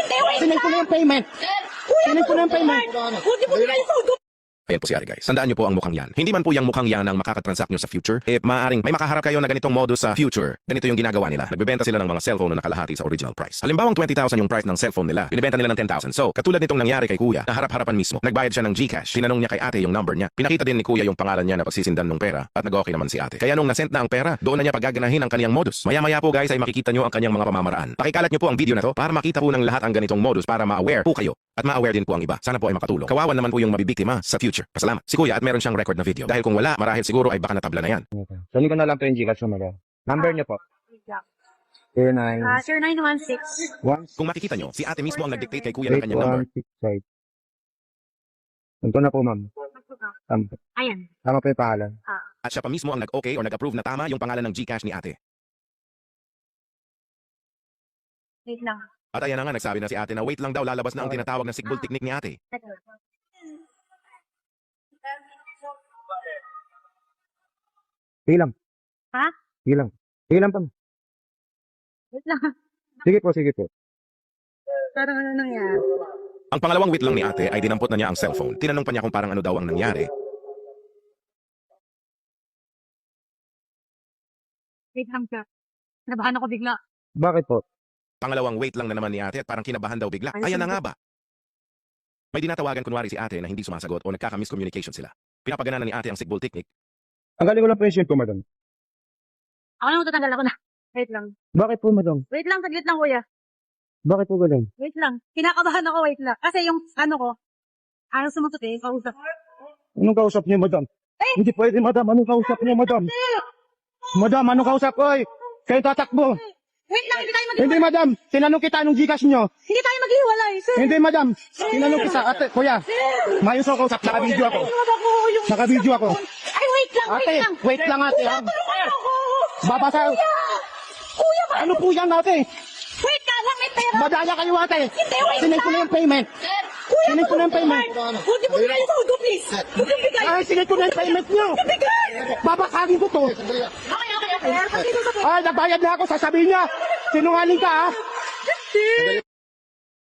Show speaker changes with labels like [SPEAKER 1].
[SPEAKER 1] Sinend ko na yung payment. Sinend ko na yung payment.
[SPEAKER 2] Hindi mo na yung sahod.
[SPEAKER 3] Ayan po si Ate guys. Tandaan nyo po ang mukhang yan. Hindi man po yung mukhang yan ang makakatransact nyo sa future. Maaaring may makaharap kayo na ganitong modus sa future. Ganito yung ginagawa nila. Nagbebenta sila ng mga cellphone na nakalahati sa original price. Halimbawang 20,000 yung price ng cellphone nila. Binibenta nila ng 10,000. So, katulad nitong nangyari kay Kuya, na harap-harapan mismo. Nagbayad siya ng GCash. Tinanong niya kay Ate yung number niya. Pinakita din ni Kuya yung pangalan niya na pagsisindan ng pera at nag-okay naman si Ate. Kaya nung nasend na ang pera, doon na niya paggaganahin ang kaniyang modus. Maya-maya po guys ay makikita nyo ang kaniyang mga pamamaraan. Pakikalat nyo po ang video na to para makita po ng lahat ang ganitong modus para ma-aware po kayo. At ma-aware din po ang iba. Sana po ay makatulong. Kawawan naman po yung mabibiktima sa future. Pasalamat. Si Kuya at meron siyang record na video. Dahil kung wala, marahil siguro ay baka natabla na yan.
[SPEAKER 1] Sali ko na lang po yung Gcash number. Number niyo po. 09
[SPEAKER 2] Sir 916.
[SPEAKER 1] 1
[SPEAKER 3] Kung makikita nyo, si Ate mismo ang nag-dictate kay Kuya ng kanyang number.
[SPEAKER 1] 8165. Ito na po, ma'am.
[SPEAKER 2] Ayan.
[SPEAKER 1] Tama po yung pangalan.
[SPEAKER 3] At siya pa mismo ang nag-okay or nag-approve na tama yung pangalan ng GCash ni Ate.
[SPEAKER 2] Wait lang.
[SPEAKER 3] At ayan na nga, nagsabi na si Ate na wait lang daw, lalabas na ang tinatawag na sigbol technique ni Ate.
[SPEAKER 1] Sige lang.
[SPEAKER 2] Ha?
[SPEAKER 1] Sige lang. Sige lang, pam.
[SPEAKER 2] Wait lang.
[SPEAKER 1] Sige po, sige po.
[SPEAKER 2] Parang ano nangyari?
[SPEAKER 3] Ang pangalawang wait lang ni Ate ay dinampot na niya ang cellphone. Tinanong pa niya kung parang ano daw ang nangyari.
[SPEAKER 2] Wait lang siya. Nabahan ako bigla.
[SPEAKER 1] Bakit po?
[SPEAKER 3] Pangalawang wait lang na naman ni Ate at parang kinabahan daw bigla.
[SPEAKER 2] Ay,
[SPEAKER 3] Ayan na
[SPEAKER 2] sige.
[SPEAKER 3] nga ba? May dinatawagan kunwari si Ate na hindi sumasagot o nagkaka-miscommunication sila. Pinapagana na ni Ate ang sigbol technique.
[SPEAKER 1] Ang galing ko lang po yung ko, madam.
[SPEAKER 2] Ako na matatanggal ako na. Wait lang.
[SPEAKER 1] Bakit po, madam?
[SPEAKER 2] Wait lang, saglit lang kuya.
[SPEAKER 1] Bakit po galing?
[SPEAKER 2] Wait lang. Kinakabahan ako, wait lang. Kasi yung ano ko, ayaw sumagot eh, kausap.
[SPEAKER 1] Anong kausap niyo, madam? Hindi pwede, madam. Anong kausap niyo, madam? Madam, anong kausap ko? Kayo tatakbo.
[SPEAKER 2] Wait lang, hindi tayo
[SPEAKER 1] Hindi, madam. Tinanong kita anong Gcash niyo.
[SPEAKER 2] Hindi tayo maghiwalay, sir.
[SPEAKER 1] Hindi, madam. Tinanong kita. Ate, kuya. Mayos ako kausap. Naka-video ako. Naka-video ako.
[SPEAKER 2] Ay, wait lang,
[SPEAKER 1] Ate,
[SPEAKER 2] wait lang.
[SPEAKER 1] wait lang, ate. ha?
[SPEAKER 2] Tulungan ako.
[SPEAKER 1] Babasa.
[SPEAKER 2] Kuya, ba?
[SPEAKER 1] Ano po yan, ate?
[SPEAKER 2] Wait ka lang, may pera.
[SPEAKER 1] Madaya kayo, ate.
[SPEAKER 2] Hindi, wait
[SPEAKER 1] Sinend ko na yung payment.
[SPEAKER 2] Kuya,
[SPEAKER 1] Sinend ko na yung payment.
[SPEAKER 2] Huwag mo bigay yung sahod ko, please. Huwag mo bigay.
[SPEAKER 1] Ay, sinend ko na yung payment niyo.
[SPEAKER 2] Bigay.
[SPEAKER 1] Babasagin ko to.
[SPEAKER 2] Okay. Pagkita sa
[SPEAKER 1] Ay, nagbayad na ako. Sasabihin niya. Sinungaling ka, ha?